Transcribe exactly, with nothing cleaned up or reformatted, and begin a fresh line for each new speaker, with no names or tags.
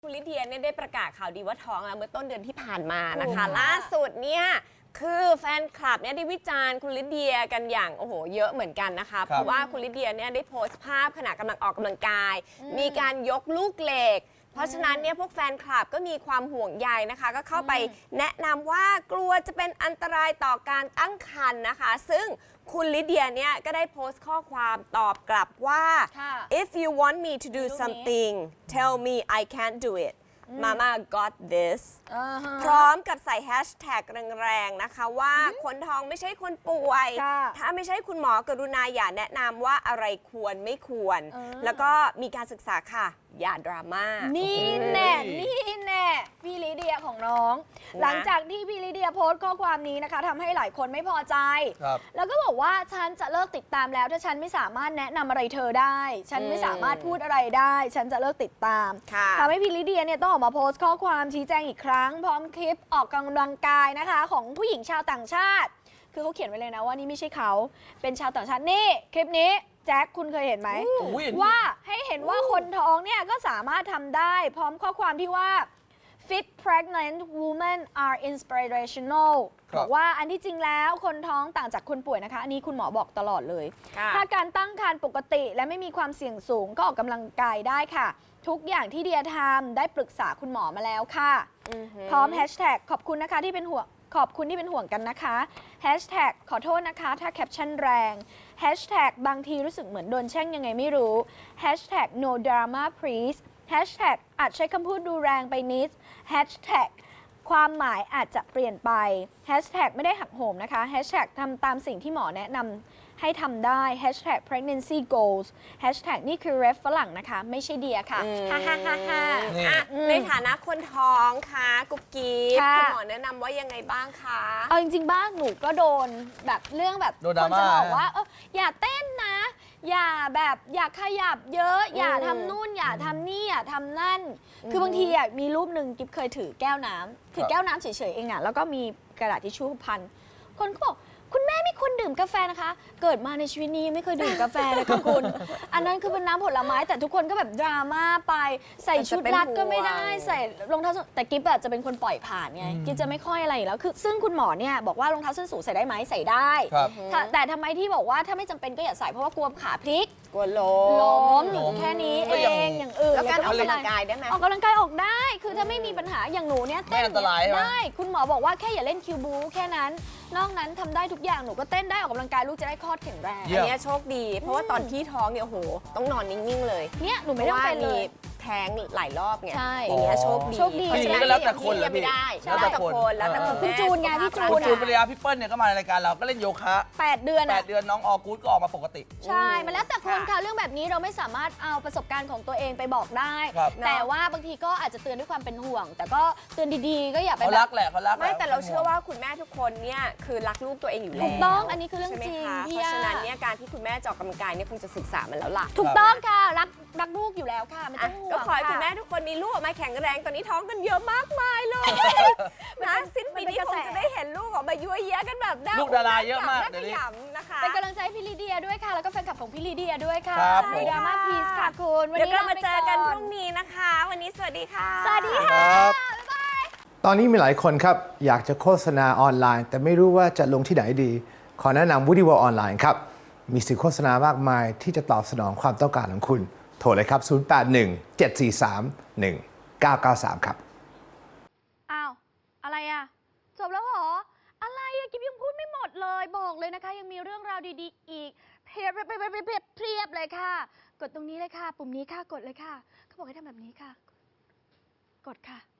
คุณลิเดียเนี่ยได้ประกาศข่าวดีว่าท้องแล้วเมื่อต้นเดือนที่ผ่านมานะคะล่าสุดเนี่ยคือแฟนคลับเนี่ยได้วิจารณ์คุณลิเดียกันอย่างโอ้โหเยอะเหมือนกันนะคะเพราะว่าคุณลิเดียเนี่ยได้โพสต์ภาพขณะกำลังออกกำลังกาย มีการยกลูกเหล็กเพราะฉะนั้นเนี่ยพวกแฟนคลับก็มีความห่วงใยนะคะก็เข้าไปแนะนำว่ากลัวจะเป็นอันตรายต่อการตั้งครรภ์นะคะซึ่งคุณลิเดียเนี่ยก็ได้โพสต์ข้อความตอบกลับว่า if you want me to do something tell me I can't do it Mama got this พร้อมกับใส่แฮชแท็กแรงๆนะคะว่าคนท้องไม่ใช่คนป่วยถ้าไม่ใช่คุณหมอกรุณาอย่าแนะนำว่าอะไรควรไม่ควรแล้วก็มีการศึกษาค่ะอย่าดราม่า
นี่แน่นี่แน่พี่ลิเดียของน้องหลังจากที่พี่ลิเดียโพสต์ข้อความนี้นะคะทำให้หลายคนไม่พอใจแล้วก็บอกว่าฉันจะเลิกติดตามแล้วถ้าฉันไม่สามารถแนะนำอะไรเธอได้ฉันไม่สามารถพูดอะไรได้ฉันจะเลิกติดตามทำให้พี่ลิเดียเนี่ยต้องออกมาโพสต์ข้อความชี้แจงอีกครั้งพร้อมคลิปออกกำลังกายนะคะของผู้หญิงชาวต่างชาติคือเขาเขียนไว้เลยนะว่านี่ไม่ใช่เขาเป็นชาวต่างชาตินี่คลิปนี้แจ็คคุณเคยเห็นไหมว่าให้เห็นว่าคนท้องเนี่ยก็สามารถทำได้พร้อมข้อความที่ว่า fit pregnant women are inspirational บอกว่าอันที่จริงแล้วคนท้องต่างจากคนป่วยนะคะอันนี้คุณหมอบอกตลอดเลยถ้าการตั้งครรภ์ปกติและไม่มีความเสี่ยงสูงก็ออกกำลังกายได้ค่ะทุกอย่างที่เดียทำได้ปรึกษาคุณหมอมาแล้วค่ะพร้อมแฮชแท็กขอบคุณนะคะที่เป็นห่วงขอบคุณที่เป็นห่วงกันนะคะแฮชแท็กขอโทษนะคะถ้าแคปชั่นแรงแฮชแท็กบางทีรู้สึกเหมือนโดนแช่งยังไงไม่รู้แฮชแท็ก no drama please แฮชแท็กอาจใช้คำพูดดูแรงไปนิดแฮชแท็กความหมายอาจจะเปลี่ยนไปแฮชแท็กไม่ได้หักโหมนะคะแฮชแท็กทำตามสิ่งที่หมอแนะนำให้ทำได้ แฮชแท็ก pregnancy goals แฮชแท็กนี่คือ ref ฝรั่งนะคะไม่ใช่เดียค่ะฮ่าฮ่าฮ่าฮ่า
ในฐานะคนท้องค่ะกุ๊บกิ๊บคุณหมอแนะนำว่ายังไงบ้างคะ
เอาจริงๆบ้างหนูก็โดนแบบเรื่องแบบคนจะบอกว่าเอออย่าเต้นนะอย่าแบบอย่าขยับเยอะอย่าทำนู่นอย่าทำนี่อย่าทำนั่นคือบางทีอ่ะมีรูปหนึ่งกิ๊บเคยถือแก้วน้ำถือแก้วน้ำเฉยๆเองอ่ะแล้วก็มีกระดาษทิชชู่พันคนก็บอกคุณแม่ไม่ควรดื่มกาแฟนะคะเกิดมาในชีวิตนี้ไม่เคยดื่มกาแฟเลยค่ะคุณอันนั้นคือเป็นน้ำผลไม้แต่ทุกคนก็แบบดราม่าไปใส่ชุดรัดก็ไม่ได้ใส่รองเท้าแต่กิ๊บจะเป็นคนปล่อยผ่านไงกิ๊บจะไม่ค่อยอะไรอยู่แล้วคือซึ่งคุณหมอเนี่ยบอกว่ารองเท้าส้นสูงใส่ได้ไหมใส่ได้แต่ทำไมที่บอกว่าถ้าไม่จำเป็นก็อย่าใส่เพราะว่ากลัวขาพลิก
กลัวล้ม
ล้มอยู่แค่นี้เองอย่างอื่น
แล้วการออกกำลังกายได้ไหม
ออกกำลังกายออกได้คือถ้าไม่มีปัญหาอย่างหนูเนี่ยเต้นได้คุณหมอบอกว่าแค่อย่าเล่นคิวบูแค่นั้นนอกนั้นทำได้ทุกอย่างหนูก็เต้นได้ออกกำลังกายลูกจะได้คลอดแข็งแรง
อันนี้โชคดีเพราะว่าตอนที่ท้องเนี่ยโอ้โหต้องนอนนิ่งๆเลย
เนี่ยหนูไม่ต้องเป็นเลย
แท้งหลายรอบไง
ใช่
อย่างเงี้ยโชคดี
โชคดี
เพราะฉะนั้นแล้วแต่คนเลย
ไม่ได้แล้วแต่คนแล้วแต่คน
คุณจูนไงพี่จูน
คุณจูนภรรยาพี่เปิ้ลเนี่ยก็มารายการเราก็เล่นโยคะ
แปดเดือน
แปดเดือนน้องออกู๊ดก็ออกมาปกติ
ใช่มันแล้วแต่คนค่ะเรื่องแบบนี้เราไม่สามารถเอาประสบการณ์ของตัวเองไปบอกได้แต่ว่าบางทีก็อาจจะเตือนด้วยความเป็นห่วงแต่ก็เตือนดีๆก็อย่าไป
เขารักแหละเขารัก
ไม่แต่เราเชื่อว่าคุณแม่ทุกคนเนี่ยคือรักลูกตัวเองอยู่แล้ว
ถูกต้องอันนี้คือเรื่องจริง
เพราะฉะนั้นเนี่ยการที่คุณแม่ออกกำลังกายเนี่ยคงจะศึกษามันแล้วล่ะ
ถูกต้องค่ะรักรักลูกอยู่แล้วค่ะไม่ต้องห่วง
ก็ขอให้คุณแม่ทุกคนมีลูกออกมาแข็งแรงตอนนี้ท้องกันเยอะมากมายเลยนะสิ้นปีนี้คงจะได้เห็นลูกออกมายั่วเย้กันแบบ
ลูกดาราเยอะมาก
เดี๋ยวนี้นะคะ
เป็นกำลังใจให้พี่ลิเดียด้วยค่ะแล้วก็แฟนคลับของพี่ลิเดียด้วยค่ะดราม่าพีซค่ะคุณ
วันนี้เรามาเจอกันพรุ่งนี้นะคะวันนี้สวัสดีค่ะ
สวัสดีค่ะบ๊ายบาย
ตอนนี้มีหลายคนครับอยากจะโฆษณาออนไลน์แต่ไม่รู้ว่าจะลงที่ไหนดีขอแนะนำ Woody World ออนไลน์ครับมีสื่อโฆษณามากมายที่จะตอบสนองความต้องการของคุณโทรเลยครับศูนย์ แปด หนึ่ง เจ็ด สี่ สาม หนึ่ง เก้า เก้า สามครับ
อ้าวอะไรอะจบแล้วเหรออะไรอะกิ๊บยังพูดไม่หมดเลยบอกเลยนะคะยังมีเรื่องราวดีๆอีกเพียบเพียบเพียบเพียบเพียบเลยค่ะกดตรงนี้เลยค่ะปุ่มนี้ค่ะกดเลยค่ะเขาบอกให้ทำแบบนี้ค่ะกดค่ะ